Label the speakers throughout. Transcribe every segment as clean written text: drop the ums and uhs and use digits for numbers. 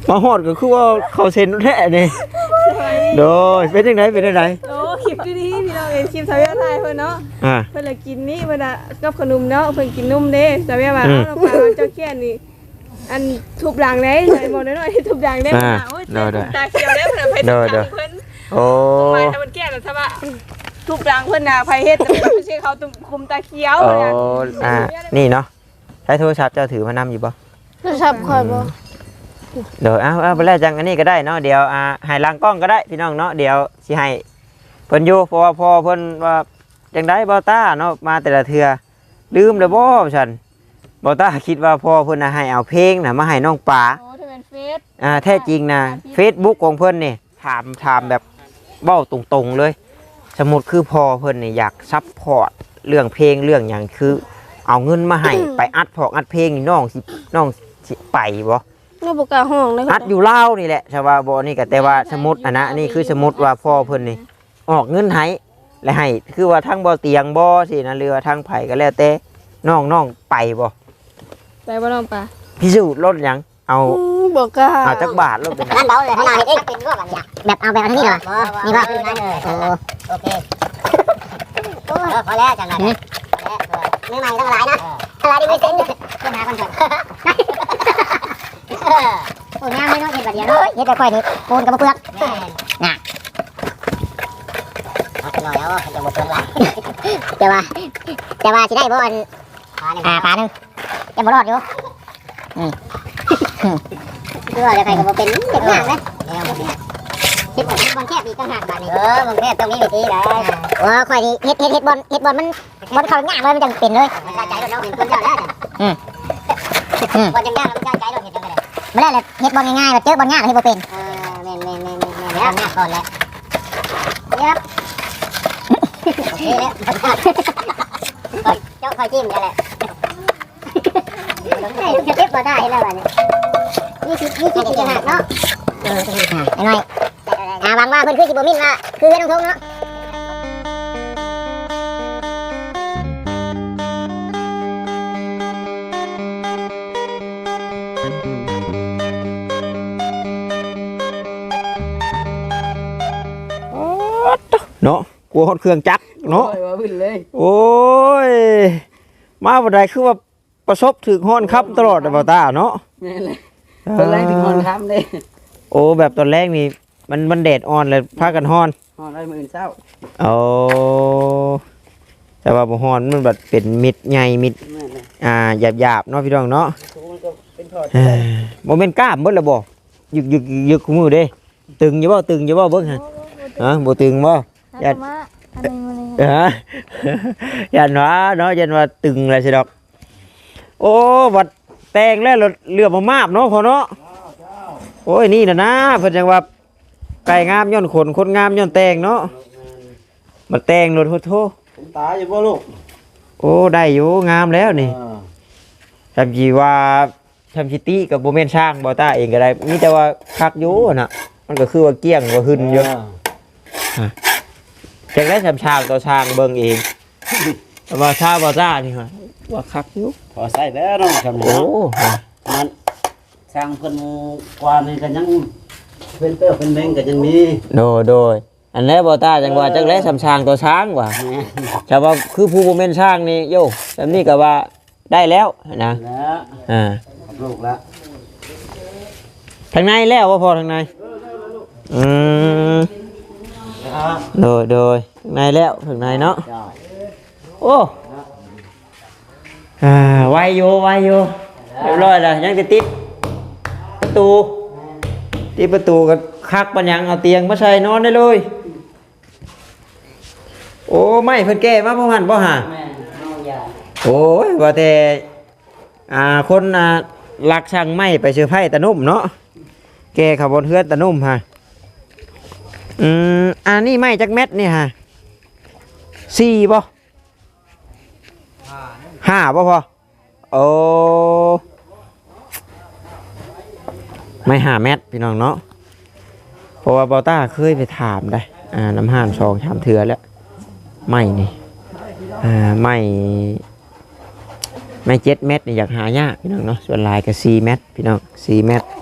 Speaker 1: มาฮอดก็คือว่าเขาเซ็นแท้นี่โดยเป็นจังไดเป็นจังได
Speaker 2: โอ้คลิปดีๆพี่น้องเห็นคลิปสาวไทยเพิ่นเนาะเพิ่นละกินนี่เพิ่นน่ะกับขนมเนาะเพิ่นกินนมเด้สาวว่าเอาน้ำปลาเจ้าแค่นี่อันทุบหลังได้ใส่บ่น้อยๆทุบหลังได้โอ้ยตาเขียวได้เพิ่นไปทุบหลังเพิ่นโอ้ทำไมถ้ามันแก่แล้วซะว่าทุบหลังเพิ่นน่ะไผเฮ็ดไม่ใช่เขาคุมตาเขียว
Speaker 1: นี่เนาะใช้โทรศัพท์เจ้าถือมานำอยู่บ่
Speaker 2: โทรศัพท์ค่อยบ่
Speaker 1: เดี๋ยวเอาไปแล้วจังอันนี้ก็ได้เนาะเดี๋ยวให้ล้างกล้องก็ได้พี่น้องเนาะเดี๋ยวสิให้เพิ่นอยู่เพราะว่าพอเพิ่นว่าจังได๋บ่ต้าเนาะมาแต่ละเทื่อลืมแล้วบ่ฉันบ่ต้าคิดว่าพอเพิ่นให้เอาเพลงน่ะมาให้น้องป๋า
Speaker 2: โอ้ถ้าเป็นเฟซ
Speaker 1: แท้จริงนะ Facebook ของเพิ่นนี่ถามแบบเว้าตรงๆเลยสมมุติคือพอเพิ่นนี่อยากซัพพอร์ตเรื่องเพลงเรื่องหยังคือเอาเงินมาให้ไปอัดเพลงนี่น้องสิไปบ่
Speaker 2: ก็บ่กล้าห้องเลย
Speaker 1: อัดอยู่ลาวนี่แหละชาวาบ่นี่ก็แต่ว่าสมมุติอันนะนี่คือสมมุติว่าพ่อเพิ่นนี่ออกเงินให้และให้คือว่าทั้งบ่เตียงบ่สินะเรือทั้งไผก็แล้วแต่น้องไปบ่
Speaker 2: น้องปลา
Speaker 1: พิสูจน์รถหยังเอา
Speaker 2: บ่กล้า
Speaker 1: เอาจักบาทรถเป็น
Speaker 3: นั่นเบาเลยให้เราเฮ็ดเองเป็นรวบแบบนี้แบบเอาแบบอันนี้เหรอนี่ป่ะโอเคพอแล้วจังเลยไม่ใหม่ต้องหลายนะหลายดิไม่เซ็นขึ้นหาคนก่อนโอ้ยไม่ต้องเห็ดแบบเดียวเฮ็ดแต่ค่อยนี่ปูนกับมะเฟืองน่ะเอาไปหน่อยเอาจะหมดเฟืองละแต่ว่าสิได้บ่อันปลาหนึ่งยังบ่รอดอยู่คือว่าใครก็บ่เป็นเด็กงานนะเฮ็ดบอลแคบอีกต่างหากบาดนี้บอลแคบต้องมีวิธีได้ค่อยนี่เฮ็ดบอลมันเข้าง่ายเลยมันจังเป็นเลยมันใจรถเราเป็นคนเจ้าแล้วบอลจังยากแล้วมันใจรถเฮ็ดจังได๋บ่ได้เลยเฮ็ดบอลง่ายๆแบบเจอบอลยากเฮ็ดบ่เป็นแม่นแล้วง่ายก่อนเลยยับโอเคแล้วเจ้าคอยจิ้มกันแหละจะเก็บบ่ได้แล้วบัดนี้นี่คิดจังหากเนาะไอ้น้อยหวังว่าเพิ่นคือสิบ่มินว่าคือน้องทงเนาะ
Speaker 1: เนาะกลัวฮอดเครื่องจักรเนาะโอ้ยมาบ่ได้คือว่าประสบถึงฮ้อนครับตลอดบ่ตาเนาะ
Speaker 4: แม่นเลยตอนแรกถึงฮ้อนค่ำเด้
Speaker 1: โอ้แบบตอนแรกนี่มันแดดอ่อนเลยพากันฮ้อน
Speaker 4: ได้มื้อเช้า
Speaker 1: โอ้แต่ว่าบ่ฮ้อนมันแบบเป็นมิดใหญ่มิดหยาบๆเนาะพี่น้องเนาะบ่แม่นกล้ามเบิดแล้วบ่ยึกคู่มือเด้ตึงอยู่บ่เบิ่งฮะบ่ตึงบ่ยันยันว่าเนาะยันว่าตึงเลยสิดอกโอ้วัดแตงแล้วเรือมาบเนาะพอเนาะโอ้ยนี่นะเพิ่นจังว่าไก่งามย้อนคนงามย้อนแตงเนาะมาแตงรถโท
Speaker 4: ตายอยู่บ่ลูก
Speaker 1: โอ้ได้อยู่งามแล้วนี่ทำจีว่าทำชิตี้กับโบเมนช่างบอต้าเองก็ได้มีแต่ว่าคักอยู่น่ะมันก็คือว่าเกี้ยงว่าหึนเยอะจะได้ทำช่างต่อช่างเบิ่งเองแต่ว่าช่างบอต้านี่ว่าคักอยู่
Speaker 4: พอใส่แล้วน้องทำโอ้มันสร้างเพิ่นกว่านี่ก็ยังเป็นเตอร์เป็นแบงก็ยังมี
Speaker 1: โดยอันนี้บอต้าจังว่าจักได้ทำช่างต่อช่างว่ะแต่ว่าคือผู้โบเมนช่างนี่โย่แบบนี้ก็ว่าได้แล้วนะ
Speaker 4: ลูกแล้ว
Speaker 1: ทางในแล้วว่าพอทางในโดยทางในแล้วทางในเนาะโอ้ไวโยเรียบร้อยแล้วยังจะติดประตูกับคักปัญญังเอาเตียงมาใส่นอนได้เลยโอ้ไม่เพิ่นแก้มาพ่อหันพ่อหาโอ้ยว่าแต่คนลักช่างไม้ไปเชื่อไผ่ตะนุ่มเนาะแกขับบนเฮือนตะนุ่มฮะนี่ไม้จักเม็ดนี่ฮะ4ป่ะ5ป่ะพอโอ้ไม่5เม็ดพี่น้องเนาะเพราะว่าบอต้าเคยไปถามได้น้ำห่าน2-3เทื่อแล้วไม่นี่ไม่7 เม็ดนี่อยากหายากพี่น้องเนาะส่วนลายก็4 เม็ดพี่น้อง4 เม็ด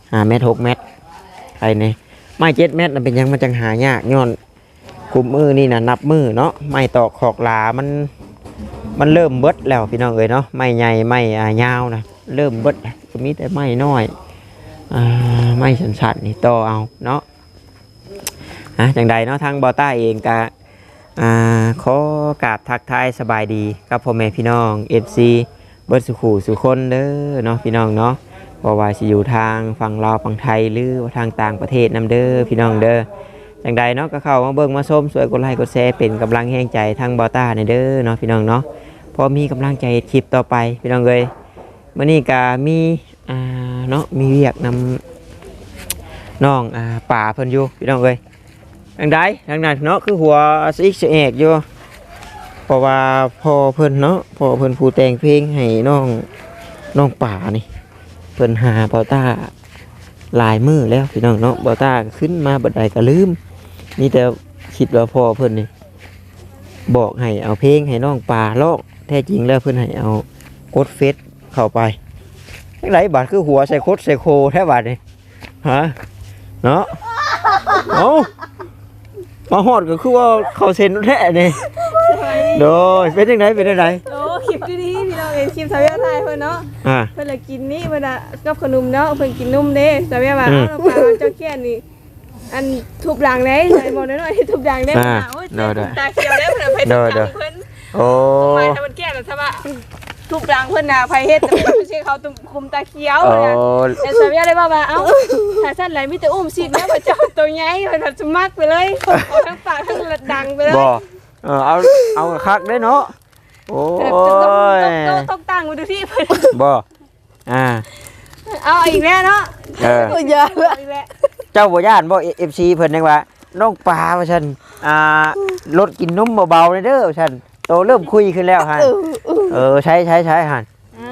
Speaker 1: 5 เมตร 6 เมตรไอ้นี่ไม้7 เมตรน่ะเป็นหยังมันจังหายากย้อนคุมมือนี่น่ะนับมือเนาะไม้ตอกขอกหลามันเริ่มเบิดแล้วพี่น้องเอ้ยเนาะไม้ใหญ่ไม้ยาวนะเริ่มเบิดแล้วก็มีแต่ไม้น้อยไม้สั้นๆนี่ต่อเอาเนาะจังใดเนาะทางบอต้าเองก็ขอกราบทักทายสบายดีกับพ่อแม่พี่น้อง FC เบิดสุขูสุคนเด้อเนาะพี่น้องเนาะบ่ว่าสิอยู่ทางฝั่งลาวฝั่งไทยหรือว่าทางต่างประเทศนํเด้อพี่น้องเด้อจังใดเนาะก็เข้ามาเบิ่งมาชมสวยกดไลค์กดแชร์เป็นกำลังแห่งใจทางบอต้าในเด้อเนาะพี่น้องเนาะพอมีกำลังใจคลิปต่อไปพี่น้องเอ้ยมื้อนี้ก็มีเนาะมีเรียกนำน้องป่าเพิ่นอยู่พี่น้องเอ้ยทางใดทางนั้นเนาะคือหัวซิกเอกอยู่เพราะว่าพ่อเพิ่นเนาะพ่อเพิ่นผู้แต่งเพลงให้น้องป่านี่เพิ่นหาบอต้าหลายมื้อแล้วพี่น้องเนาะบอต้าขึ้นมาบัดใดก็ลืมนี่แต่คิดว่าพ่อเพิ่นนี่บอกให้เอาเพลงให้น้องป่าร้องแท้จริงแล้วเพิ่นให้เอากดเฟซเข้าไปจังไดบาดคือหัวใส่โคตรใส่โคแท้บาดนี่ฮะเนาะเอามาฮอดก็คือว่าเขาเซ็นแท้นี่โดยเป็นจังไดเป็นจังได
Speaker 2: โอ้คลิปดีๆพี่น้องเอ็นคลิปสาวเวียไทยเพิ่นเนาะเพิ่นละกินนี่เพิ่นน่ะกับขนมเนาะเพิ่นกินนมเด้สาวเวียว่าเอาปลาเจ้าแค่นี่อันทุบหลังได้ใส่บ่น้อยๆทุบหลังได้โอ้ยตาเขียวได้เพิ่นไปทุบหลังเพิ่นโอ้มาทำมันแก่แล้วซะว่าทุบหลังเพิ่นน่ะไผเฮ็ดแต่ไม่ใช่เขาตุ้มคุมตาเขียวนะแต่สาวเวียได้ว่าเอ้าถ้าซั่นไหลมีแต่อุ้มสิแม่พระเจ้าตัวใหญ่เพิ่นจะมักไปเลยเอาทั้งปากทั้งดังไปเลย
Speaker 1: บ่เอาคักได้เนาะโอ้ย
Speaker 2: ต้องตั้งไว้ดูที่เพิ่น
Speaker 1: บ่
Speaker 2: เอาอีกแล้วเนาะอย่าอีกแล้ว
Speaker 1: เจ้าบ่ย่านบ่ FC เพิ่นจังว่าน้องปลาว่าซั่นรถกินนมเบาๆเด้อว่าซั่นโตเริ่มคุยขึ้นแล้วฮะใช้หั่น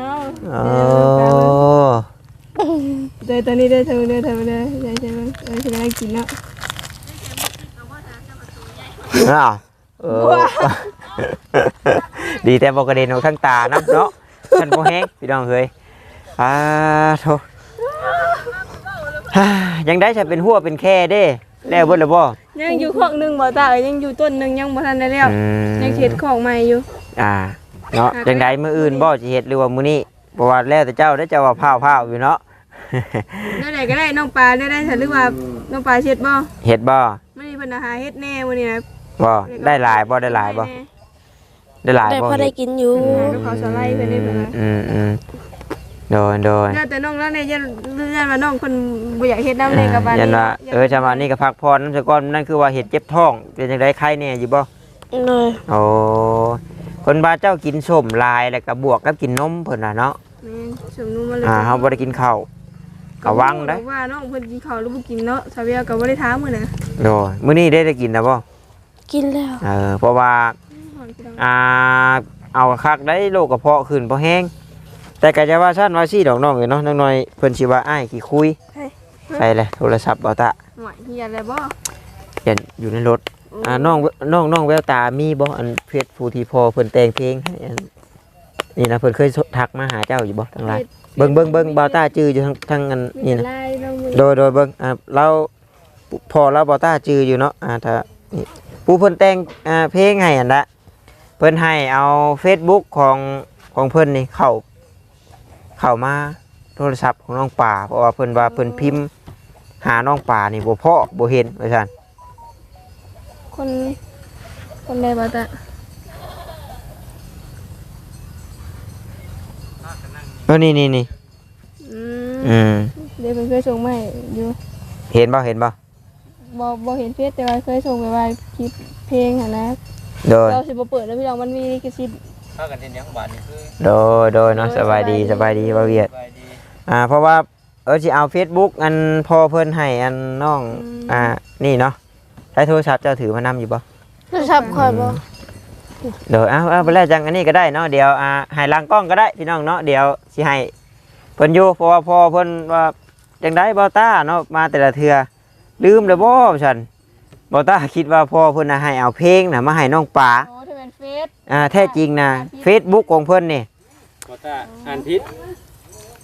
Speaker 2: เดี๋ยวตอนนี้ได้เธอได้ใช่ไหมจะได้กินแล้ว
Speaker 1: ดีแต่บอกกระเด็นออกข้างตานะเนาะท่านโมแห้งพี่น้องเฮ้ยโธ่ยังได้ใช้เป็นหัวเป็นแค่เด้แล้วเบิดแล้วบ่
Speaker 2: ยังอยู่ของหนึ่งบ่ตายังอยู่ต้นหนึ่งยังบ่ทันได้แล้วยังเฮ็ดของใหม่อยู่
Speaker 1: เนาะจังได้มื้ออื่นบ่สิเฮ็ดหรือว่ามื้อนี้บ่ว่าแล้วแต่เจ้าได้เจ้าว่าพาวอยู่เนาะ
Speaker 2: ได้ก็ได้น้องปลาได้หรือว่าน้องปลาเฮ็ดบ่
Speaker 1: เฮ็ดบ่
Speaker 2: มื้อนี้เพิ่นหาเฮ็ดแน่มื้อนี้นะ
Speaker 1: บ่ได้หลายบ่ได้หลายบ่ได้หลายบ่
Speaker 5: ได้พอได้กินอยู่
Speaker 2: ก็เขาสไลด์เพิ่นได้เพิ่น
Speaker 1: โดย
Speaker 2: แต่น้องแล้วเนี่ยยันว่าน้องคนบ่อยากเฮ็ดน้ำเลยกับบ้าน
Speaker 1: ยันว่าชาวบ้านนี่ก็พักผ่อนน้ำสะก้อนนั่นคือว่าเห็ดเจ็บท้องเป็นจังได๋ไข้แน่อยู่บ่
Speaker 5: เลย
Speaker 1: โอ้คนบ้านเจ้ากินส้มลายแล้วก็บวกกับกินนมเพิ่นน่ะเนาะ
Speaker 2: ส้มนมมาเลย
Speaker 1: เฮาบ่ได้กินข้าวก็วังเด้อ
Speaker 2: ว่าน้องเพิ่นกินข้าวหรือบ่กินเนาะซาเวียก็บ่ได้ถามมื้อน่ะ
Speaker 1: โดยมื้อนี้ได้กินแล้วบ่
Speaker 5: กินแล้ว
Speaker 1: เพราะว่าเอาคักได้โรคกระเพาะขึ้นบ่แห้งแต่ก็จะว่าซั่นว่าซี่ดอกน้องเอ้ยเนาะน้อยเพิ่นสิว่าอ้ายขี้คุยไปเลยโทรศัพท์บ่ตะ
Speaker 2: หวยเฮียอะไรบ่
Speaker 1: เห็นอยู่ในรถน้องแววตามีบ่อันเพชรผู้ที่พอเพิ่นแต่งเพลงให้นี่นะเพิ่นเคยทักมาหาเจ้าอยู่บ่ทางไลน์เบิ่งบ่ตาจื้ออยู่ทางอันนี่นะโดยเบิ่งเราพอเราบ่ตาจื้ออยู่เนาะถ้านี่ผู้เพิ่นแต่งเพลงให้อันละเพิ่นให้เอา Facebook ของเพิ่นนี่เข้ามาโทรศัพท์ของน้องป่าเพราะว่าเพิ่นว่าเพิ่นพิมพ์หาน้องป่านี่บ่พอบ่เห็นว่าซั่น
Speaker 2: คนใดบ่ตะ
Speaker 1: นี่เ
Speaker 2: ดี๋ยวเพิ่นเคยส่งมาให้อยู่
Speaker 1: เห็นบ่
Speaker 2: บ่เห็นเฟซแต่ว่าเคยส่งไปว่าคลิปเพลงหั่นนะเราสิบ่เปิดแล้วพี่น้องมันมีลิขสิทธิ์
Speaker 1: พากันเฮ็ดหยังบาดนี่คือโดยเนาะสบายดีบ่เวียดเพราะว่าสิเอา Facebook อันพอเพิ่นให้อันน้องนี่เนาะใช้โทรศัพท์เจ้าถือมานำอยู่บ่
Speaker 5: โทรศัพท์ค่อยบ่
Speaker 1: เดี๋ยวเอาไปแล้วจังอันนี้ก็ได้เนาะเดี๋ยวให้หลังกล้องก็ได้พี่น้องเนาะเดี๋ยวสิให้เพิ่นอยู่เพราะว่าพอเพิ่นว่าจังได๋บ่ต้าเนาะมาแต่ละเทื่อลืมแล้วบ่ฉันบ่ต้าคิดว่าพอเพิ่นให้เอาเพลงน่ะมาให้น้องป๋า
Speaker 2: โอ้ถ้าเป็นเฟซ
Speaker 1: แท้จริงนะ Facebook ของเพิ่นนี่
Speaker 4: บ่ต้าอ่านผิด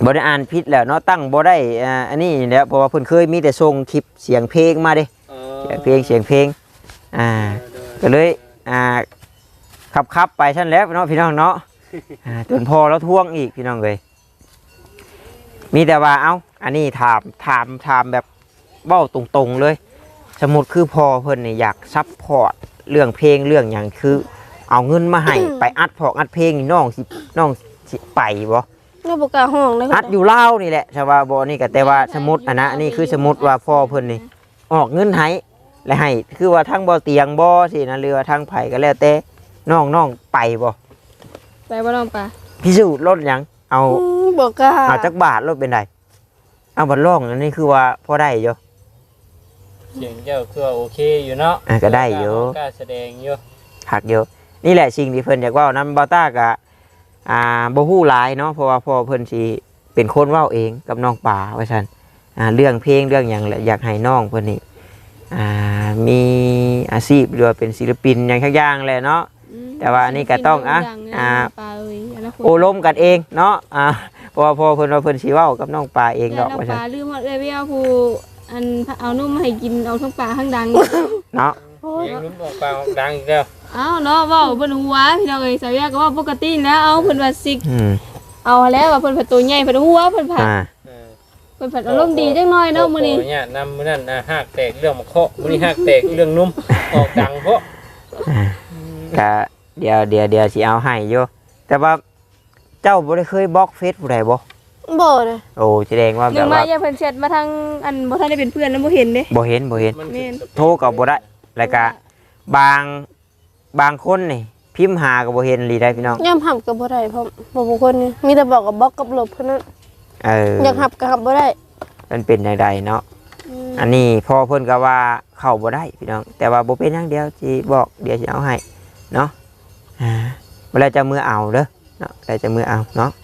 Speaker 1: บ่ได้อ่านผิดแล้วเนาะตั้งบ่ได้อันนี้แหล้วเพราะว่าเพิ่นเคยมีแต่ส่งคลิปเสียงเพลงมาเด้เสียงเพลงก็เลยขับไปชั้นแล้วเนาะพี่น้องเนาะจนพอแล้วท่วงอีกพี่น้องเลยมีแต่ว่าเอ้าอันนี้ถามแบบเว้าตรงๆเลยสมมุติคือพอเพิ่นนี่อยากซัพพอร์ตเรื่องเพลงเรื่องหยังคือเอาเงินมาให้ไปอัดเพลงนี่น้องสิไปบ่
Speaker 5: เราบอกกล้าห้องเลย
Speaker 1: อัดอยู่ลาวนี่แหละชาวาบ่นี่ก็แต่ว่าสมมุตินะนี่คือสมมุติว่าพ่อเพิ่นนี่ออกเงินให้และให้คือว่าทั้งบ่เตียงบ่สินะหรือว่าทั้งไผก็แล้วแต่น้องไปบ่
Speaker 2: ไปบ่น้องปลา
Speaker 1: พิสูจน์รถหยังเอา
Speaker 5: บอกกล้า
Speaker 1: เอาจักบาทรถเป็นไดเอาบัดร้องอันนี้คือว่าพอได้อยู่
Speaker 6: เสียงเจ้าคือว่าโอเคอยู่เนาะ
Speaker 1: ก็ได้อยู่
Speaker 6: กล้าแสดงอยู่
Speaker 1: หักอยู่นี่แหละสิ่งที่เพิ่นอยากเว้านำบ่ต้าก็บ่ฮู้หลายเนาะเพราะว่าพ่อเพิ่นสิเป็นคนเว้าเองกับน้องป่าว่าซั่นเรื่องเพลงเรื่องหยังแหละอยากให้น้องเพิ่นนี่มีอาชีพหรือว่าเป็นศิลปินอย่างทุกอย่างแหละเนาะแต่ว่าอันนี้ก็ต้อง
Speaker 2: ปลาเอ้ยอนาคต
Speaker 1: โอลมกันเองเนาะเพราะว่าพ่อเพิ่นว่าเพิ่นสิเว้ากับน้องป่าเองดอก
Speaker 2: น้อง
Speaker 1: ว่า
Speaker 2: ป
Speaker 1: ซั่น
Speaker 2: ลาลืมหมดเลยพี่เอาผู้อันเอานุ่มมาให้กินเอาทั้งปลาทั้งดัง
Speaker 1: เนาะ
Speaker 6: เสียงลุ้นออกปากออกดังอีกแล้ว
Speaker 2: เอาเนาะเว้าเพิ่นหัวพี่น้องเอ้ยสาวยาก็ว่าปกติแล้วเอาเพิ่นว่าซิก
Speaker 1: อืม
Speaker 2: เอาแล้วว่าเพิ่นผัดตัวใหญ่เพิ่นหัวเพิ่นผัด
Speaker 6: เออ
Speaker 2: เพิ่นผัดอารมณ์ดีจังน้อยเนาะมื้อนี้
Speaker 6: ขออญาตนำมื้อนั้นหากแตกเรื่องมะเคาะมื้อนี้หากแตกเรื่องนุ่มออกดังเพราะ
Speaker 1: ก็เดี๋ยวสิเอาให้อยู่แต่ว่าเจ้าบ่ได้เคยบล็อกเฟซผู้ใดบ่
Speaker 5: บอกเลย
Speaker 1: โอ้แสดงว่า
Speaker 2: ห
Speaker 1: แบ
Speaker 2: นึ่
Speaker 1: บ
Speaker 2: งมา
Speaker 1: ว่า
Speaker 2: อย่าเพิ่นแชทมาทางอันบ่ทันได้เป็นเพื่อนแล้วบ่เห็นเด้
Speaker 1: บ่เห็น
Speaker 6: มัน
Speaker 2: แม่น
Speaker 1: โทรก็บ่ได้แล้วก็บางคนนี่พิมพ์หาก็บ่เห็นลีได้พี่น้อง
Speaker 5: ย่ำหับกับบ่ได้เพราะบอกบุคคลนี่มีแต่บอกกับบล็อกกับลบเท่านั้นอยากหับกับหับบ่ได้
Speaker 1: มันเป็นจังไดเนาะอันนี้พ่อเพิ่นก็ว่าเข้าบ่ได้พี่น้องแต่ว่าบ่เป็นหยังเดียวสิบอกเดี๋ยวสิเอาให้เนาะเวลาจะมือเอาเด้อเนาะเวลาจะมือเอาเนาะ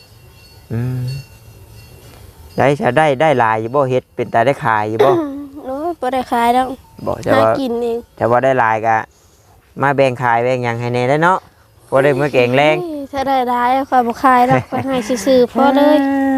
Speaker 1: ได้หลายอยู่บ่เฮ็ดเป็นตาได้ขายอยู่บ่
Speaker 5: โอ้ยบ่ได้ขายแล้ว
Speaker 1: บ่แต่
Speaker 5: หา
Speaker 1: ว่า
Speaker 5: กินเอง
Speaker 1: แต่ว่าได้หลายก็มาแบ่งขายแบ่งหยังให้แน่ได้เนาะบ่ได้มื้อเก่งแรง
Speaker 5: ถ้าได้ร้ายค่อยบ่ขายแล้วค่อยให้ซื่อๆพอเลย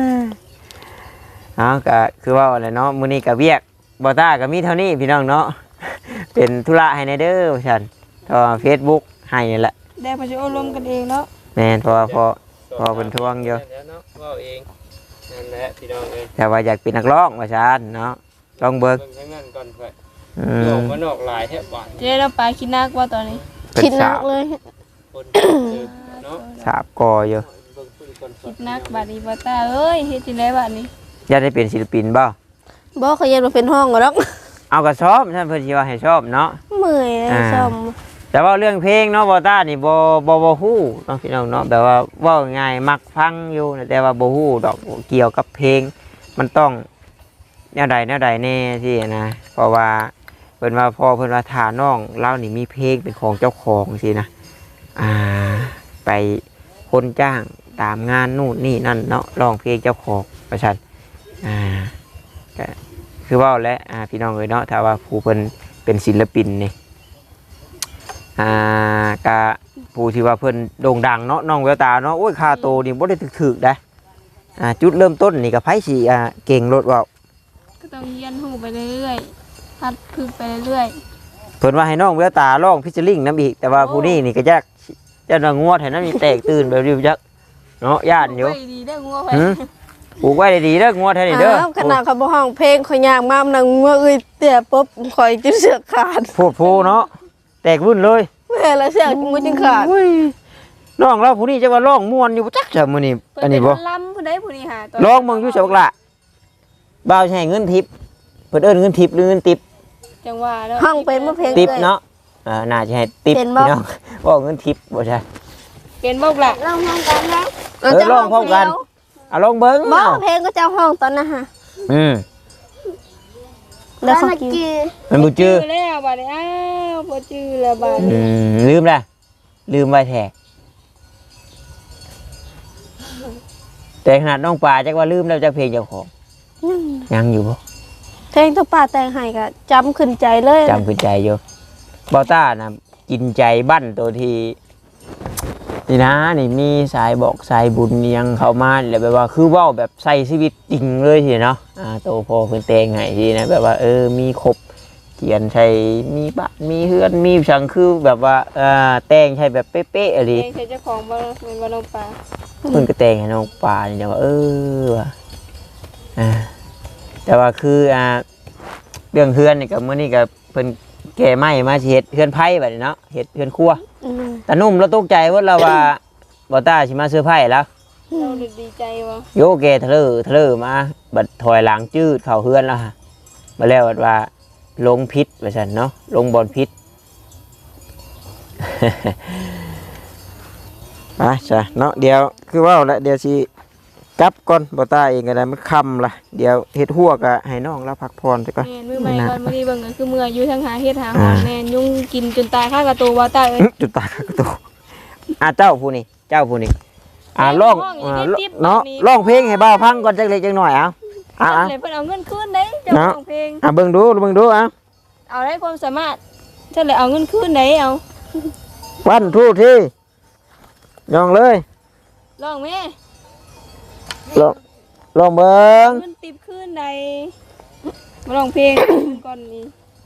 Speaker 1: ก็คือว่าอะไรเนาะมื้อนี้ก็เวียกบ่ต้าก็มีเท่านี้พี่น้องเนาะ เป็นธุระให้ในเด้อว่าซั่นก็ Facebook ให้นี่แหละ
Speaker 2: ได้เพิ่นสิอบรมกันเองเนาะ
Speaker 1: แม่นเพราะว่าพอเพิ่นทวงอยู่
Speaker 6: แล้วเนาะเว้าเองนั่นแหละพี่น้องเอ้ย
Speaker 1: แต่ว่าอยากเป็นนักร้องว่าซั่นเนาะลองเบิ่ง
Speaker 6: ทั้งนั้นก่อนเพิ่น
Speaker 1: อื
Speaker 6: โย
Speaker 1: ม
Speaker 6: กมานอกหลายแทบหวาน
Speaker 2: เจ๊เราปลาคิดนักว่าตอนนี้
Speaker 5: คิดหนักเลย
Speaker 6: คนเนาะ
Speaker 1: สาบกออยู่
Speaker 6: เบิ่งคุยก่อน
Speaker 2: คิดนักบัดนี้บ่ตาเอ้ยเฮ็ดจังได๋บัดนี้
Speaker 1: อยากได้เป็นศิลปินบ่
Speaker 5: บ่เขาเย็นมาเป็นห้องก็ดอก
Speaker 1: เอาก็ชอบท่านเพิ่นสิว่าให้ชอบเนาะ
Speaker 5: เมื่อยเลยซ่อม
Speaker 1: แต่ว่าเรื่องเพลงเนาะบ่ต้านี่บ่ฮู้เนาะพี่น้องเนาะแบบว่าเว้าง่ายมักฟังอยู่แต่ว่าบ่ฮู้ดอกเกี่ยวกับเพลงมันต้องแนวใดแน่ที่นะเพราะว่าเพิ่นว่าพ่อเพิ่นว่าถ้าน้องเรานี่มีเพลงเป็นของเจ้าของสินะไปคนจ้างตามงานนู่นนี่นั่นเนาะร้องเพลงเจ้าของว่าซั่นก็คือเว้าและพี่น้องเอ้ยเนาะถ้าว่าผู้เพิ่นเป็นศิลปินนี่ก็ผู้ที่ว่าเพิ่นโด่งดังเนาะน้องแววตาเนาะโอ้ยค่าโตนี่บ่ได้ถึกๆได้จุดเริ่มต้นนี่ก็ไผสิเก่งรถเว้า
Speaker 2: ก็ต้องเรียนรู้ไปเรื่อยๆพัดฝึกไปเรื่อย
Speaker 1: เพิ่นว่าให้น้องแววตาร้องพิชลิงน้ำอีกแต่ว่าผู้นี้นี่ก็ยากจะนงวดให้น้ำนี่แตกตื่นแบบริวจักเนาะย่านอยู่
Speaker 2: ไปดีได้องัวไป
Speaker 1: ปลูกไว้ดีๆเด้องวดให้เด้อ
Speaker 5: ขนาดเขาบ่ห้องเพลงข่อยยากมากนั่งเมื่อเอ้ยเตี้ยปุ๊บข่อยจะเสือกขาด
Speaker 1: พูดเนาะแตกวุ่นเลย
Speaker 5: แม่ละเสือกมือจึงขาด
Speaker 1: ร้องแล้วผู้นี้จะว่าร้องม่วนอยู่บ่จักจะมื้อนี้อันนี้บ่
Speaker 2: เพิ่เป็ลำผู้ใดผู้นี้หาตน
Speaker 1: ร้องมึงอยู่เสาบักละบ่าวสิให้เงินทิปเพิ่นเอิ้นเงินทิปหรือเงินติป
Speaker 2: จังว่าแล้ว
Speaker 5: ห้องเป็นบ่เพลง
Speaker 1: ติป
Speaker 5: เลย
Speaker 1: เนาะน่าจะให้ติป
Speaker 5: เป็นบ่
Speaker 1: พี่น้องบ่เงินทิปบ่ใช่
Speaker 2: เป็นบ่ล่ะ
Speaker 5: ร้องห้องกันนะ
Speaker 1: ร้องพร้อมกันเอาลองเบิ่ง
Speaker 5: บ่
Speaker 1: เนาะ
Speaker 5: เพลงก็จะห้องตอนนั้นฮะ แล้วเขากิน
Speaker 1: มันบ่จื้อ
Speaker 2: แล้วบัดนี้อ้าวบ่จื้อแล้วบัดนี้
Speaker 1: ลืมละลืมไว้แท้แต่ขนาดน้องปลาจักว่าลืมแล้วจักเพลงเจ้าของยังอยู่บ่
Speaker 5: เพลงตัวป่าแต่งให้ก็จำขึ้นใจเลย
Speaker 1: จำขึ้นใจอยู่บอต้านะกินใจบั้นตัวที่นี่นะนี่มีสายบอกสายบุญเนียงเข้ามาแล้วแบบว่าคือเว้าแบบใส่ชีวิตจริงเลยทีเนาะโตพอเพิ่นแต่งให้ทีนะแบบว่ามีครบเขียนใช่มีบ้านมีเฮือนมีสังคือแบบว่าแต่งใช่แบบเป๊ะๆอะไร
Speaker 2: เองใช้เจ้าของบ่เป็นบ่น้องปลา
Speaker 1: เพิ่นก็แต่งให้น้องปลานี่นะว่าว่ะแต่ว่าคือเรื่องเฮือนนี่ก็มื้อนี้ก็เพิ่นแก่ไม้มาสิเฮ็ดเฮือนไผ่บัดนี้เนาะเฮ็ดเฮือนครัวแต่นุ่มเราตกใจว่าเราว่าบ่ต้าสิมาเซอร์ไพรส์แล้ว
Speaker 2: เราดีใจบ่
Speaker 1: โยเกทะเลอมาบัดถอยหลังจืดเข้าเฮือนแล้วฮะมาแล้วว่าลงพิษว่าซั่นเนาะลงบอลพิษ ไปจ้ะเนาะเดี๋ยวคือว่าแล้วเดี๋ยวสิกลับก่อนบ่ต้าเองก็ได้มันค่ำละเดี๋ยวเฮ็ดหัวก็ให้น้องเราพักผ่อนซะก่อน
Speaker 2: แม่นมื้อใหม่ก่อนมื้อนี้เบิ่งก็คือเมื่ออยู่ทั้งหาเฮ็ดหาหอนแม่นยุงกินจนตายค่ากระตูบ่ตายเอ้ย
Speaker 1: จุดตาก็ตัวเจ้าผู้นี้ร้องเนาะร้องเพลงให้บ่าวพังก่อนจักเล็กจักน้อยเอา
Speaker 2: เลยเพิ่นเอาเงินคืนได้เจ้าของเพลง
Speaker 1: เบิ่งดู
Speaker 2: เอาได้ความสามารถฉันเลยเอาเงินคืนได้เอา
Speaker 1: วันทูที่ยองเลย
Speaker 2: ลองแม่
Speaker 1: ลองเบิ่ง
Speaker 2: เงินติบคืนได้มาลองเพลงก่อนนี้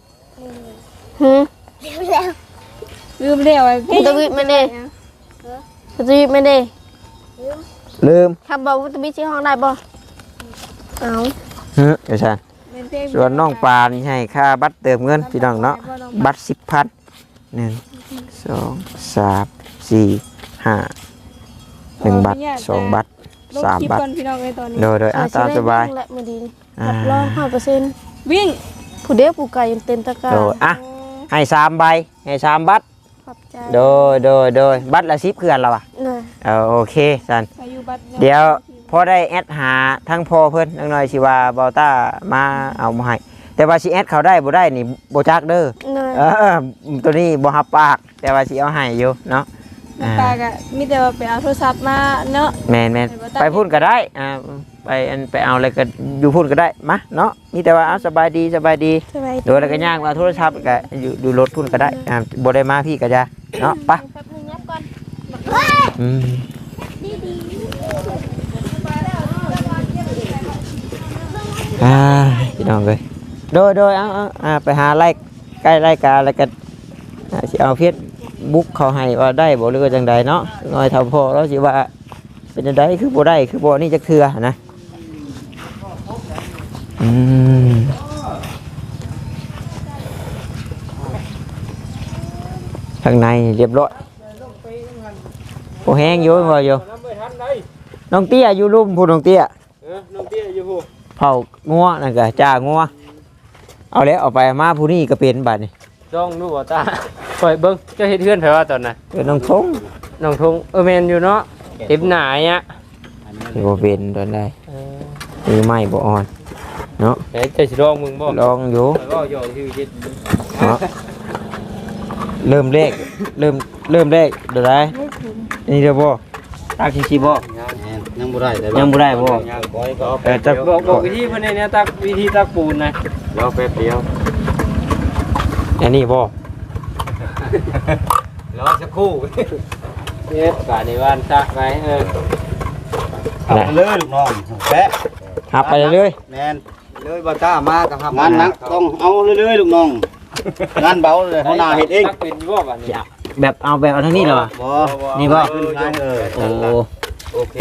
Speaker 2: ลืมแล้วไอ้เพลง
Speaker 5: ตะวิไม่ได้ตะวิไม่ได้
Speaker 1: ลืม
Speaker 5: คำบอกว่าตะวิชื่อห้องได้บ่เอา
Speaker 1: เดี๋ยวฉันส่วนน้องปานให้ค่าบัตรเติมเงินพี่น้องเนาะบัตร10,000 1 2 3 4 5 1 บัตร2 บัตร3 บัตรโดยตามสบาย
Speaker 5: รับรอง100%
Speaker 2: วิ่ง
Speaker 5: ผู้เดียวผู้ไก่ยังเต็มตะกร้า
Speaker 1: โดยให้3 ใบให้3 บัตร
Speaker 5: ขอบใจ
Speaker 1: โดยบัตรละ10คือกันแล้วอ่ะโอเคสันเดี๋ยวพอได้แอดหาทั้งพอเพิ่นน้อยสิว่าบอต้ามาเอามาให้แต่ว่าสิแอดเขาได้บ่ได้นี่บ่จักเด้อตัวนี้บ่ฮับปากแต่ว่าสิเอาให้อยู่เนาะ
Speaker 2: ปากอะมีแต่ว่าไปเอาโทรศัพท์มาเนาะ
Speaker 1: แม่นไปพูดก็ได้ไปเอาอะไรก็อยู่พูดก็ได้มาเนาะมีแต่ว่าเอาสบายดีโดยแล้วก็ย่างมาโทรศัพท์ก็อยู่ดูรถพูดก็ได้บ่ได้มาพี่ก็จะเนาะไปพี่น้องเลยโดยเอาไปหาไล่ใกล้ไล่กาแล้วก็สิเอาเพียรบุกเขาให้ว่าได้บ่หรือว่าจังใดเนาะน้อยเท่าพอแล้วสิว่าเป็นจังใดคือบ่ได้คือบ่นี่จักเทื่อนะข้างในเรียบร้อยโอ้แห้งอยู่บ่อยู่น้องเตี้ยอยู่ลุ่มพูดน้องเตี้ย
Speaker 6: น้องเตี้ยอยู่ผู้
Speaker 1: เผางัวนั่นก็จ้างัวเอาแล้วเอาไปมาผู้นี้ก็เป็นบัดนี่
Speaker 6: จ้องดูบ่ตาปล่อยเบิ่งเจ้าเฮ็ดเฮือนไผว่าตอนน่ะ
Speaker 1: เป็นน้องทง
Speaker 6: น้องทงแม่นอยู่เนาะเต็มหน้าอ่ะ
Speaker 1: บ่เป็นตอนใดมือไม้บ่อ่อนเนาะ
Speaker 6: เฮ้ยเจ้าสิลองมึงบ่
Speaker 1: ลองอยู่
Speaker 6: ก็ย่อที่เฮ็ด
Speaker 1: เนาะเริ่มเลขเริ่มเลขเดี๋ยวได้นี่เด้อบ่ตักสิบ่
Speaker 4: ยังบ่ได้แต่
Speaker 1: ยังบ่ได้บ่
Speaker 4: ยังก้อยก็
Speaker 1: จะ
Speaker 6: บอกวิธีเพิ่นเนี่ยตักวิธีตักปูนนะ
Speaker 4: รอแป๊บเดียว
Speaker 1: อันนี้บ่
Speaker 4: รอสักครู่
Speaker 6: เฮ็ดกะในบ้านตักไว้
Speaker 4: เอาเลยลูกน้องแปะ
Speaker 1: หับไปเรื่อย
Speaker 4: แม่นเลยบ่ต้ามาก็ทำงานหนักต้องเอาเรื่อยๆลูกน้องงานเบาเลยเฮาหน้าเฮ็ดเอง
Speaker 6: ตักเป็นบ่บัดนี้
Speaker 1: แบบเอาแบบเอาทางนี้เหรอ
Speaker 4: บ่
Speaker 1: นี่บ่ โอ้
Speaker 4: โอเค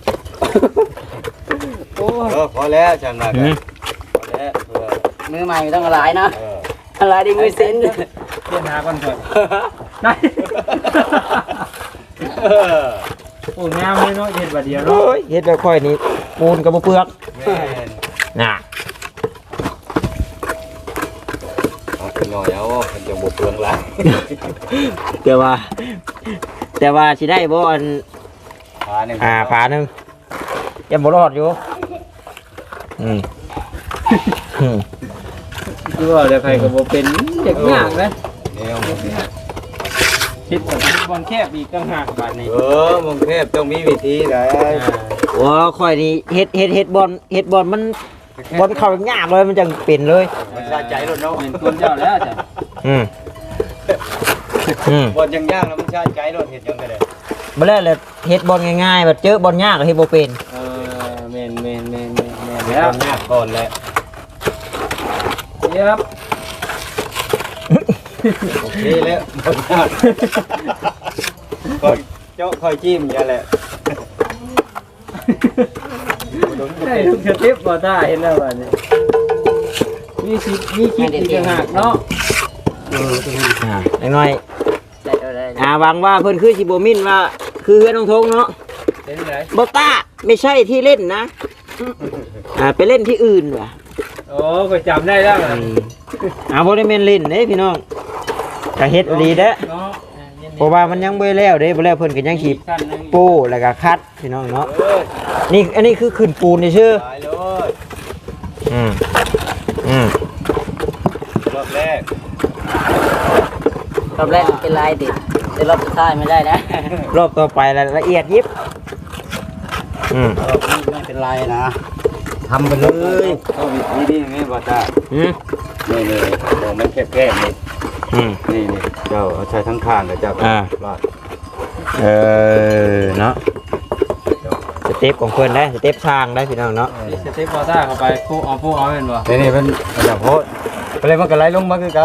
Speaker 4: พอแล้วจังนั้นพอแล้วมือใหม่ต้องหลายนะหลายดิมือเซ็น
Speaker 6: เรียนหาก่อนเถอะได้โอ้งามเลยเนาะเฮ็ดบัดเดียวเนาะ
Speaker 1: โอ้ยเฮ็ดแบบค่อยนี่ปูนก็บ่เปลือก
Speaker 4: แม่น
Speaker 1: น่ะ
Speaker 4: เอาขึ้นหน่อยเอามันจะบ่เปลืองหลาย
Speaker 1: แต่ว่าสิได้บ่อัน
Speaker 4: ขาหนึ่ง
Speaker 1: ผาหนึงยังบ่รอดอยู่อืม
Speaker 6: คือว่าเดี๋ยวใครก็บ่เป็นเด็กยากนะ
Speaker 4: เดี๋ยว
Speaker 6: คิดว่าบอลแคบอีกต่างหากบัดนี้
Speaker 4: มึงเทพต้องมีวิธีได้
Speaker 1: โอ้ค่อยนี่เฮ็ดบอลมันบอลเข้ายากเลยมันจังเป็นเลย
Speaker 4: มันสะใจรถเนาะ
Speaker 6: เป็นคนเจ้าแล้วจ้ะ
Speaker 1: อืม
Speaker 4: บอลยังยากแล้วมันสะใจรถเห็นยังไงเลย
Speaker 1: บ่แล้วเลยเฮ็ดบอลง่ายๆแบบเจอบอลยากก็เฮ็ดบ่เป็น
Speaker 6: แม่นแล้วยากก่อนแหละเดี๋ยวครับ
Speaker 4: โอเคแล้วบ่ยากคอยเจาะคอยจิ้มอย่าแหละ
Speaker 6: ใช่ทุกสเต็ปบ่ได้เห็นแล้วว่านี่มีคิดอีกต่างหากเนาะ
Speaker 1: น้อยหวังว่าเพิ่นคือสิบ่มินว่าคือเฮือนน้องทงเนาะ
Speaker 6: เป็นไง
Speaker 1: บ่ต้าไม่ใช่ที่เล่นนะไปเล่นที่อื่นว่ะ
Speaker 6: โอ้ก็จำได้แล้วนะ
Speaker 1: บ่ได้แม่นเล่นเด้พี่น้องก็เฮ็ดอีหลีเด้อ
Speaker 6: เนาะ
Speaker 1: เพราะว่ามันยังบ่แล้วเด้บ่แล้วเพิ่นก็ยังสิปูแล้วก็คัดพี่น้องเนาะนี่อันนี้คือขึ้นปูนซื่อ
Speaker 4: ตายเลย รอบแรก
Speaker 7: รอบแรกเป็นลายติดแต่รอบสุดท้ายไม่ได้นะ
Speaker 1: รอบต่อไปละเอียดยิบ
Speaker 4: รอบนี้ไม่เป็นไรนะทำไปเลยก็นี่ไงบ่ตานี่มองมันแคบๆนี่เจ้าเอาใช้ทั้งข้างกับเจ้าลาด
Speaker 1: เนาะสเต็ปของเพิ่นได้สเต็ปช่างได้พี่น้องเนาะ
Speaker 6: สเต็ปบอต้าเข้าไปปูเอาเป็นบ่
Speaker 4: นี่เป็นแบบโพสไปเลยมันก็ไหลลงมาคือเก่า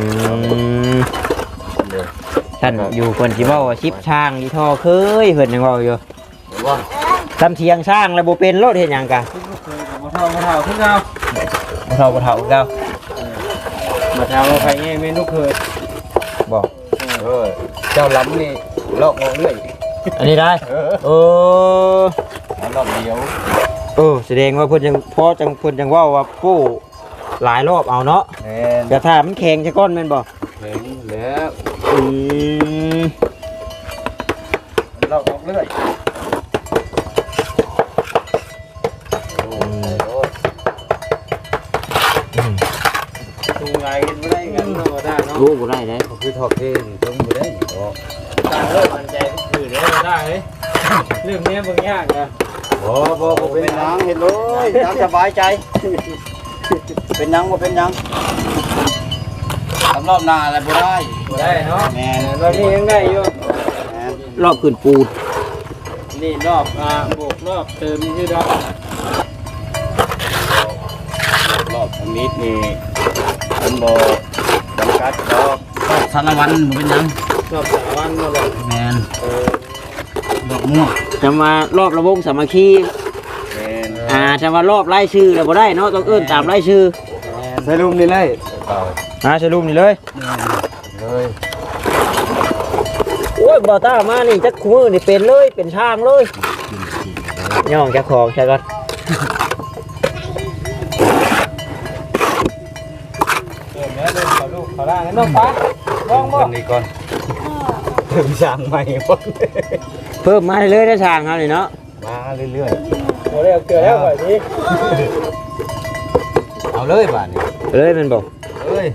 Speaker 1: ท่านอยู่เพิ่นสิเว้าว่าชิปช่างอีท่อเคยเพิ่นยังเว้าอยู่
Speaker 4: ว่า
Speaker 1: ทำเทียงช่างแล้วบ่เป็นรถเฮ็ดหยังกะ
Speaker 6: บ่เท่าคือเก่า
Speaker 1: บ่เฒ่าเก่า
Speaker 6: บ่เท่าใครเมนูเคย
Speaker 1: บอก
Speaker 4: เจ้าล้ำนี่ลอกเอาเรื่อย
Speaker 1: อันนี้ได้
Speaker 4: รอบเดียว
Speaker 1: แสดงว่าเพิ่นยังพอจังเพิ่นจังเว้าว่าปู้หลายรอบเอาเนาะ
Speaker 4: แม่น
Speaker 1: แต่ถ้ามันแข็งซะก่อนแม่นบ่
Speaker 4: เห็นแล้ว
Speaker 1: ม
Speaker 4: ลอกเอาเรื่อย
Speaker 6: ตูงไงกันไม่ได้กันเนาะบอต้าเนาะ
Speaker 1: รู้บ่ได้เด้
Speaker 4: คือทอกเองต้องบ่ได้
Speaker 6: ตาเริ่มมันใจคือได้บอต้าเฮ้ยเรื่องนี้บางยากนะ
Speaker 4: บ่เป็นหยังเห็นเลยตามสบายใจ เป็นหยังบ่เป็นหยังทำรอบหน้าอะไรบ่ได้
Speaker 6: บ่ได้เนาะ
Speaker 4: แม่น
Speaker 6: เรานี่ยังได้อยู่
Speaker 4: แม่น
Speaker 1: รอบขึ้นปูน
Speaker 6: นี่รอบบวกรอบเติมนี่คือรอบ
Speaker 4: รอบทางนี้นี่มันบ่จำกัดรอบสารวันบ่เป็นหยัง
Speaker 6: รอบ3 วันเนาะบ่
Speaker 4: แม่นดอกม่วง
Speaker 1: จำว่ารอบระวงสามัคคี
Speaker 4: แม่น
Speaker 1: จำว่ารอบไล่ชื่อแล้วบ่ได้เนาะต้องเอิ้นตามไล่ชื่อ
Speaker 4: ใส่ลุมนี่เลย
Speaker 1: สรุปนี่เลย
Speaker 4: เลย
Speaker 1: โอ้ยบ่ต้ามานี่จักคู่มือนี่เป็นเลยเป็นช่างเลยย่องเจ้าของใช่ก่อน
Speaker 6: เติมแล้วเดินขอลูกขอล่างน้องฟ้าลองบ่
Speaker 4: คนนี้ก่อนถึงสั่งใหม่บ่
Speaker 1: เพิ่มมาเลยได้ช่างเฮานี่เนาะ
Speaker 4: มาเรื่อย
Speaker 6: บ่ได้เอาเกลือแล้วก่อนสิ
Speaker 4: ๆเอาเลยบ้านนี้
Speaker 1: เลยมันบอก
Speaker 4: เอ้ย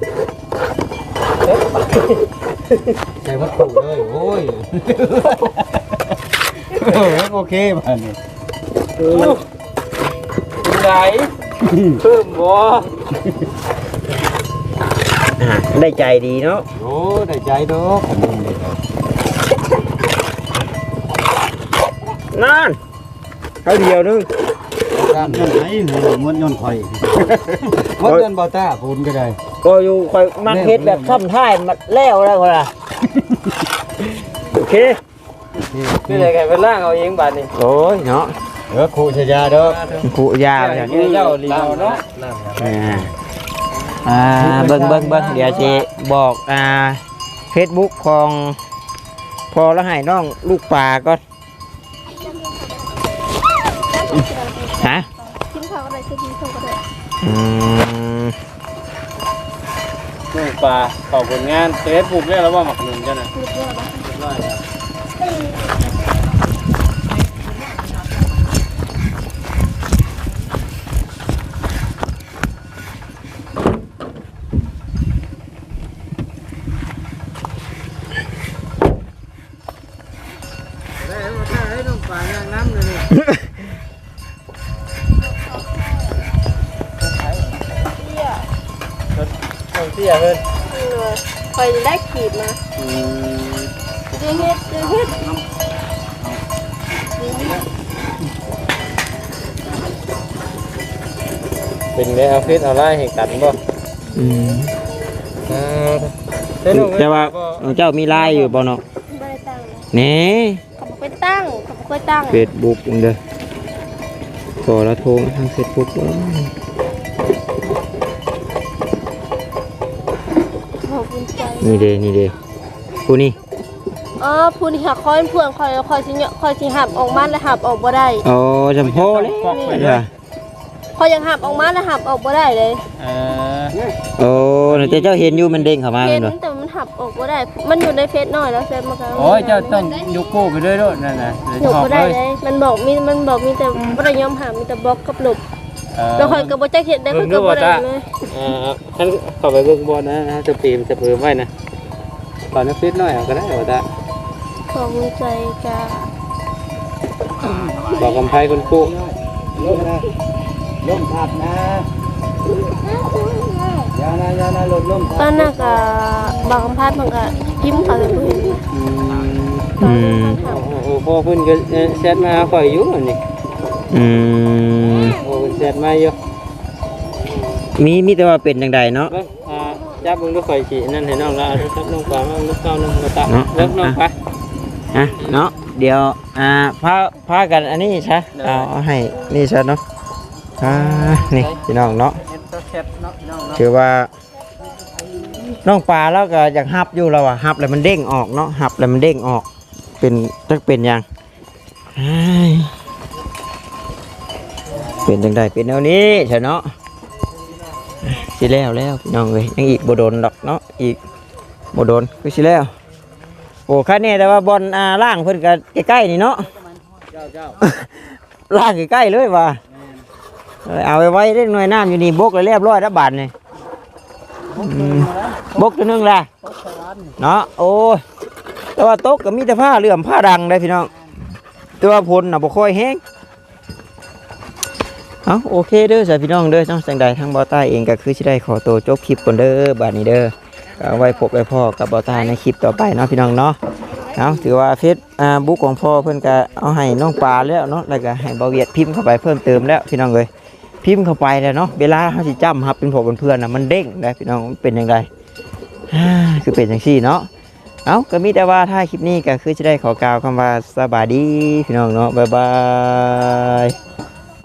Speaker 4: ใส่วัตถุเลยโอ้ยโอเคบ้านนี้
Speaker 6: ไหนเพิ่มบ่
Speaker 1: ได้ใจดีเนาะ
Speaker 4: โอ้ได้ใจดอกขนมนี่ครับ
Speaker 1: นั่นเขาเดียวนึง
Speaker 4: ด้านนั้นไหนหนูม้วนย้อนไข่ม้วนย้อนบ่ต้าปูนก็ได้
Speaker 1: ก็อยู่คอยมักเฮ็ดแบบซ้ำท้ายมาแล้วแล้วคนละโอเค
Speaker 6: คือได้ไงเป็นล่างเอาเองบัดนี้
Speaker 1: โอ้ยเนาะ
Speaker 4: ครูชยาดอก
Speaker 1: cụ già
Speaker 6: เจ้าลีเอาเนาะ
Speaker 1: เบิ่งเดี๋ยวสิบอกFacebook ของพอแล้วให้น้องลูกปลาก่อนฮะ
Speaker 5: กินข้าวก็ได้กินข้าวก็ได้
Speaker 6: ลูกปลาเข้าผลงานเฟซบุ๊กได้แล้วว่าหมักหนุนจ้ะน่ะ
Speaker 5: เรียบร้อยแล้ว
Speaker 6: เรียบร้อยแล้ว ได้มาได้น้องปลาย่างน้ำเลยนี่ต้องเสียเงิน
Speaker 5: คอยได้ขีดมาเจอเฮ็ด
Speaker 6: เป็นได้เอาเฟซเอาไลน์ให้กันบ่
Speaker 1: อืม
Speaker 6: เด้น้อง
Speaker 1: แต่ว่าเจ้ามีไลน์อยู่บ่เนาะ
Speaker 5: ไม่ได้ตั้ง
Speaker 1: แหน่
Speaker 5: เขาบอกไปตั้งเขาบอกไปตั้ง
Speaker 1: Facebook เด้อขอละโทรมาทาง Facebook บ่
Speaker 5: ขอบคุณใจ
Speaker 1: นี่เด้ผู้นี้
Speaker 5: ผู้ที่หักคอยเพื่อนคอยสิหับออกมาแล้วหับออกบ่ได้
Speaker 1: อ๋อจำพ่อเลยเด้อ
Speaker 5: คอยยังหับออกมาแล้วหับออกบ่ได้เลย
Speaker 1: โอ้แต่เจ้าเห็นอยู่มันเด้งเข้ามา
Speaker 5: เห็
Speaker 1: แม่
Speaker 5: น
Speaker 1: นบ่
Speaker 5: แต่มันหับออกบ่ได้ มันอยู่ในเฟซหน่อยแล้วเฟซมันก็
Speaker 6: โอ้ยเจ้าต้องยกโก้ไปด้วยด้วยนั่นน่ะ
Speaker 5: หนูบ่ได้เลยมันบอกมีแต่บ่ได้ยอมหามีแต่บล็อกกับลบแล้วคอยก็บ่จักเฮ็ดได้คือก็บ่ได้เลย
Speaker 6: ฉันเข้าไปเบิ่งบอลนะจะปีมจะเพิ่มไว้นะตอนนี้ฟิตหน่อยก็ได้ว่าตา
Speaker 5: ขอบคุณใจจ้า
Speaker 6: บอกกำไพคนกู้
Speaker 4: ล้มผัดนะยานะลม
Speaker 5: ตอนนั้นก็บางคำพาดมันก็พิมพ์เขาเลยเพิ่น
Speaker 1: อืม
Speaker 6: โอ้พ่อเพิ่นก็แชทมาข่อยอยู่นี่
Speaker 1: อืม
Speaker 6: โอ้เพิ่นแชทมาอยู่
Speaker 1: มีแต่ว่าเป็นจังไดเนาะ
Speaker 6: เบิ่งจับเบิ่งดูข่อยสินั่นให้น้องแล้วครับน้องปลามาลูกเก้าน้องกระตะเลิกน้องไป
Speaker 1: อ่ะเนาะเดี๋ยวพากันอันนี้ใช่เอาให้นี่ใช่เนาะนี่พี่น้องเนาะถือว่าน้องปลาแล้วก็อยากหับอยู่แล้วอ่ะหับแล้วมันเด้งออกเนาะหับแล้วมันเด้งออกเป็นจักเป็นยังเป็นจังไดเป็นแนวนี้ใช่เนาะสิแล้วพี่น้องเอ้ยยังอีกบ่โดนดอกเนาะอีกบ่โดนคือสิแล้วโอ้คันนี้แต่ว่าบอลล่างเพิ่นก็ใกล้ๆนี่เนาะล่างใกล้ๆเลยว่ะเอาไว้เล่นหน่วยน้ำอยู่นี่บกเลยเรียบร้อยแล้วบาทนี่บกตัวนึงแหละเนาะโอ้ยแต่ว่าโต๊ะก็มีแต่ผ้าเหลื่อมผ้าดังได้พี่น้องแต่ว่าพลน่ะบ่ค่อยแห้งเอาโอเคเด้อสายพี่น้องเด้อจังสังใดทางบ่อใต้เองก็คือสิได้ขอตัวจบคลิปก่อนเด้อบาดนี้เด้อก็เอาไว้พบไว้พ่อกับบ่อใต้ในคลิปต่อไปเนาะพี่น้องเนาะเอาถือว่าเฟซบุ๊กของพ่อเพิ่นก็เอาให้น้องปลาแล้วเนาะแล้วก็ให้บ่าวเวียดพิมพ์เข้าไปเพิ่มเติมแล้วพี่น้องเอ้ยพิมพ์เข้าไปแล้วเนาะเวลาเฮาสิจำครับเป็นพวกเป็นเพื่อนน่ะมันเด้งได้พี่น้องมันเป็นจังไดคือเป็นจังซี่เนาะเอาก็มีแต่ว่าถ้าคลิปนี้ก็คือจะได้ขอกล่าวคำว่าสบายดีพี่น้องเนาะบ๊ายบาย